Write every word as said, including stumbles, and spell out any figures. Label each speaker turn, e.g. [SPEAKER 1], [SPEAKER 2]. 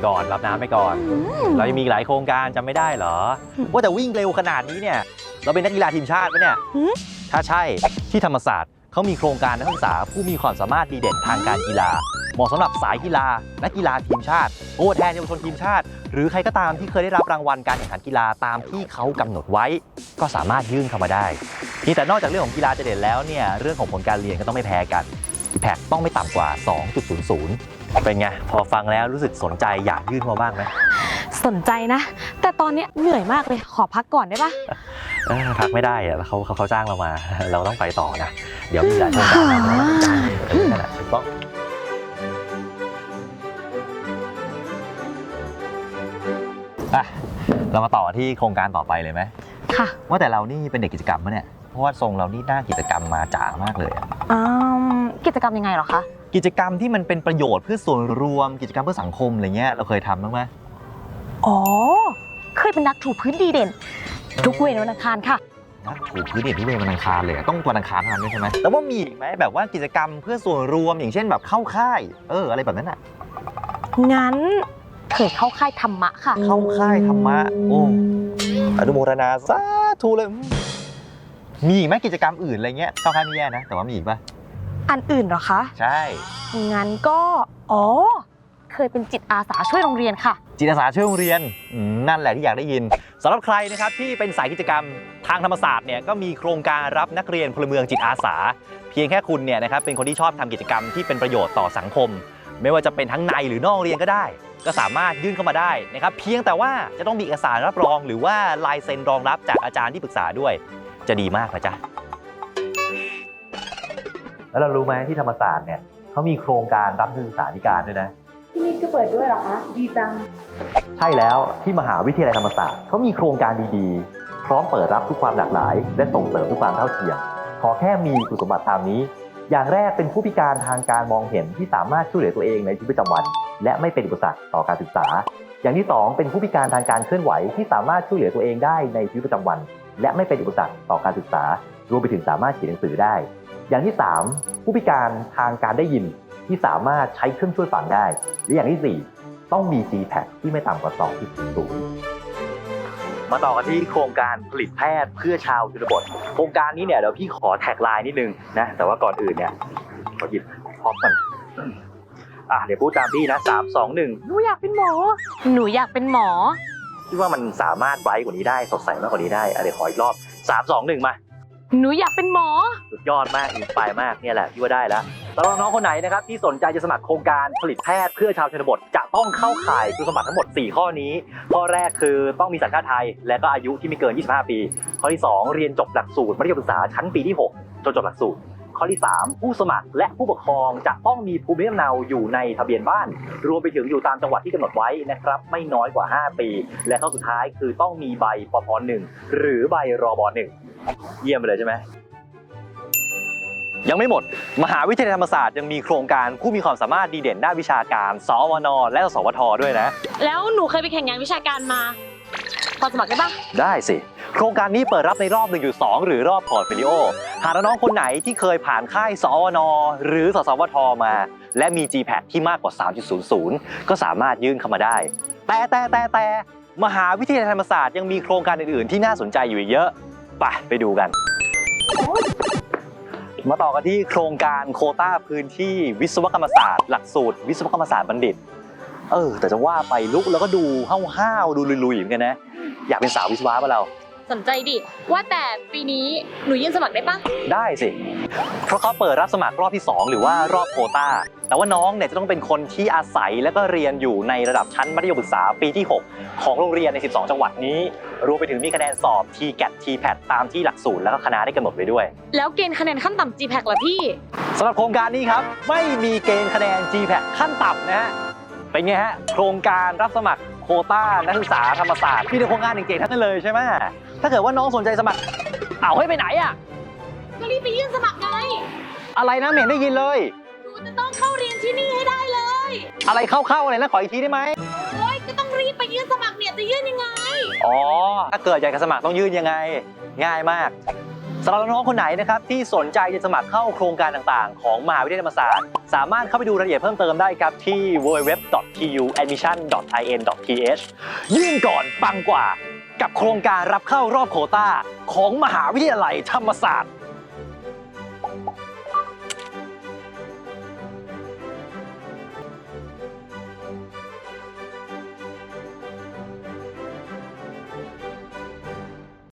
[SPEAKER 1] ก่อนรับน้ำไปก่อนเรายังมีหลายโครงการจำไม่ได้เหรอว่าแต่วิ่งเร็วขนาดนี้เนี่ยเราเป็นนักกีฬาทีมชาติปะเนี่ยถ้าใช่ที่ธรรมศาสตร์เขามีโครงการนักศึกษาผู้มีความสามารถดีเด่นทางการกีฬาเหมาะสำหรับสายกีฬานักกีฬาทีมชาติตัวแทนเยาวชนทีมชาติหรือใครก็ตามที่เคยได้รับรางวัลการแข่งขันกีฬาตามที่เขากำหนดไว้ก็สามารถยื่นเข้ามาได้ที่แต่นอกจากเรื่องของกีฬาจะเด่นแล้วเนี่ยเรื่องของผลการเรียนก็ต้องไม่แพ้กัน อี แพค ต้องไม่ต่ำกว่า สองจุดศูนย์ศูนย์ เป็นไงพอฟังแล้วรู้สึกสนใจอยากยื่นเข้ามาบ้างไหม
[SPEAKER 2] สนใจนะแต่ตอนนี้เหนื่อยมากเลยขอพักก่อนได้ปะ
[SPEAKER 1] พักไม่ได้อะเขาเขาเขาจ้างเรามาเราต้องไปต่อนะเดี๋ยวมีหลายโครงการนั่นแหละถูกต้องเรามาต่อที่โครงการต่อไปเลยไหม
[SPEAKER 2] ค่ะ
[SPEAKER 1] ว่าแต่เรานี่เป็นเด็กกิจกรรมปะเนี่ยเพราะว่าทรงเรานี่หน้ากิจกรรมมาจ๋ามากเลยอ่ะ
[SPEAKER 2] กิจกรรมยังไงหรอคะ
[SPEAKER 1] กิจกรรมที่มันเป็นประโยชน์เพื่อส่วนรวมกิจกรรมเพื่อสังคมอะไรเงี้ยเราเคยทำบ้างไหม
[SPEAKER 2] อ๋อเคยเป็นนักถูพื้นดีเด่นทุกเวรวันอังคารค่ะ
[SPEAKER 1] นักถูพื้นเด่นทุกเวรวันอังคารเลยต้องวันอังคารเท่านั้นด้วยใช่ไหมแต่ว่ามีอีกไหมแบบว่ากิจกรรมเพื่อส่วนรวมอย่างเช่นแบบเข้าค่ายเอออะไรแบบนั้นอ่ะ
[SPEAKER 2] งั้นเคยเข้าค่ายธรรมะค่ะ
[SPEAKER 1] เข้าค่ายธรรมะโอ้อนุโมทนาสาธุเลยมีอีกไหมกิจกรรมอื่นอะไรเงี้ยเข้าค่ายไม่แย่นะแต่ว่ามีอีกป่ะ
[SPEAKER 2] อันอื่นเหรอคะ
[SPEAKER 1] ใช่
[SPEAKER 2] งั้นก็อ๋อเคยเป็นจิตอาสาช่วยโรงเรียนค่ะ
[SPEAKER 1] จิตอาสาช่วยโรงเรียนนั่นแหละที่อยากได้ยินสำหรับใครนะครับที่เป็นสายกิจกรรมทางธรรมศาสตร์เนี่ยก็มีโครงการรับนักเรียนพลเมืองจิตอาสาเพียงแค่คุณเนี่ยนะครับเป็นคนที่ชอบทำกิจกรรมที่เป็นประโยชน์ต่อสังคมไม่ว่าจะเป็นทั้งในหรือนอกเรียนก็ได้ก็สามารถยื่นเข้ามาได้นะครับเพียงแต่ว่าจะต้องมีเอกสารรับรองหรือว่าลายเซ็นรองรับจากอาจารย์ที่ปรึกษาด้วยจะดีมากนะจ๊ะแล้วเรารู้ไหมที่ธรรมศาสตร์เนี่ยเขามีโครงการรับนักศึกษาธิการด้วยนะ
[SPEAKER 2] ที่นี่ก็เปิดด้วยเหรอคะดีจัง
[SPEAKER 1] ใช่แล้วที่มหาวิทยาลัยธรรมศาสตร์เขามีโครงการดีๆพร้อมเปิดรับทุกความหลากหลายและส่งเสริมทุกความเท่าเทียมขอแค่มีคุณสมบัติตามนี้อย่างแรกเป็นผู้พิการทางการมองเห็นที่สามารถช่วยเหลือตัวเองในชีวิตประจำวันและไม่เป็นอุปสรรคต่อการศึกษาอย่างที่สองเป็นผู้พิการทางการเคลื่อนไหวที่สามารถช่วยเหลือตัวเองได้ในชีวิตประจำวันและไม่เป็นอุปสรรคต่อการศึกษารวมไปถึงสามารถเขียนหนังสือได้อย่างที่สามผู้พิการทางการได้ยินที่สามารถใช้เครื่องช่วยฟังได้และอย่างที่สี่ต้องมี จี แพค ที่ไม่ต่ำกว่า สองจุดศูนย์ มาต่อกันที่โครงการผลิตแพทย์เพื่อชาวชนบทโครงการนี้เนี่ยเดี๋ยวพี่ขอแท็กไลน์นิดนึงนะแต่ว่าก่อนอื่นเนี่ยขอหยิบพร้อมกันอ่ะเดี๋ยวพูดตามพี่นะสามสองหนึ่ง
[SPEAKER 2] หนูอยากเป็นหมอหนูอยากเป็นหมอ
[SPEAKER 1] คิดว่ามันสามารถไบรท์กว่านี้ได้สดใสมากกว่านี้ได้อ่ะเดี๋ยวขออีกรอบสามสองหนึ่งมา
[SPEAKER 2] หนูอยากเป็นหมอ
[SPEAKER 1] สุดยอดมากอินสไปร์มากเนี่ยแหละพี่ว่าได้แล้วสำหรับน้องคนไหนนะครับที่สนใจจะสมัครโครงการผลิตแพทย์เพื่อชาวชนบทจะต้องเข้าข่ายคุณสมบัติทั้งหมดสี่ข้อนี้ข้อแรกคือต้องมีสัญชาติไทยและก็อายุที่ไม่เกินยี่สิบห้าปีข้อที่สองเรียนจบหลักสูตรมัธยมศึกษาชั้นปีที่หกจนจบหลักสูตรข้อที่สามผู้สมัครและผู้ปกครองจะต้องมีภูมิลำเนาอยู่ในทะเบียนบ้านรวมไปถึงอยู่ตามจังหวัดที่กำหนดไว้นะครับไม่น้อยกว่าห้าปีและข้อสุดท้ายคือต้องมีใบปพหนึ่งหรือใบรบหนึ่งเยี่ยมไปเลยใช่ไหมยังไม่หมดมหาวิทยาลัยธรรมศาสตร์ยังมีโครงการผู้มีความสามารถดีเด่นด้านวิชาการสวนและสวทด้วยนะ
[SPEAKER 2] แล้วหนูเคยไปแข่งงานวิชาการมาพอสมัครได้ปะ
[SPEAKER 1] ได้สิโครงการนี้เปิดรับในรอบ หนึ่งจุดสอง หรือรอบพอร์ตโฟลิโอหากน้องคนไหนที่เคยผ่านค่ายสวทหรือสสวทมาและมี จี แพค ที่มากกว่า สามจุดศูนย์ศูนย์ ก็สามารถยื่นเข้ามาได้แต่แต่แต่แต่มหาวิทยาลัยธรรมศาสตร์ยังมีโครงการอื่นๆที่น่าสนใจอยู่เยอะไปไปดูกันมาต่อกันที่โครงการโควต้าพื้นที่วิศวกรรมศาสตร์หลักสูตรวิศวกรรมศาสตร์บัณฑิตเออแต่จะว่าไปลุกแล้วก็ดูห้าวๆดูลุยๆเหมือนกันนะอยากเป็นสาววิศวะป่ะเรา
[SPEAKER 2] สนใจดิว่าแต่ปีนี้หนูยื่นสมัครได้ปะ
[SPEAKER 1] ได้สิเพราะเขาเปิดรับสมัครรอบที่สองหรือว่ารอบโควต้าแต่ว่าน้องเนี่ยจะต้องเป็นคนที่อาศัยและก็เรียนอยู่ในระดับชั้นมัธยมศึกษาปีที่หกของโรงเรียนในสิบสองจังหวัดนี้รวมไปถึงมีคะแนนสอบ ที แกท ที แพท ตามที่หลักสูตรและก็คณะได้กำหนดไว้ด้วย
[SPEAKER 2] แล้วเกณฑ์คะแนนขั้นต่ำ จี แพค ล่ะพี่
[SPEAKER 1] สำหรับโครงการนี้ครับไม่มีเกณฑ์คะแนน จี แพค ขั้นต่ำนะฮะเป็นไงฮะโครงการรับสมัครโควต้านักศึกษาธรรมศาสตร์มีแต่โครงการเก่งๆทั้งนั้นเลยใช่ไหมถ้าเกิดว่าน้องสนใจสมัครเอาให้ไปไหนอ่ะ
[SPEAKER 2] ก็รีบไปยื่นสมัครไง
[SPEAKER 1] อะไรนะไม่เห็นได้ยินเลย
[SPEAKER 2] หนูจะต้องเข้าเรียนที่นี่ให้ได้เลย
[SPEAKER 1] อะไรเข้าๆอะไรนะขออีกทีได้ไหม
[SPEAKER 2] โอ๊ยก็ต้องรีบไปยื่นสมัครเนี่ยจะยื่นยังไง
[SPEAKER 1] อ๋อถ้าเกิดอยากจะสมัครต้องยื่นยังไงง่ายมากสำหรับน้องๆคนไหนนะครับที่สนใจจะสมัครเข้าโครงการต่างๆของมหาวิทยาลัยธรรมศาสตร์สามารถเข้าไปดูรายละเอียดเพิ่มเติมได้ครับที่ ดับเบิลยู ดับเบิลยู ดับเบิลยู ดอท ที ยู แอดมิชั่น ดอท ไอ เอ็น ดอท ที เอช ยื่นก่อนปังกว่ากับโครงการรับเข้ารอบโควต้าของมหาวิทยาลัยธรรมศาสตร์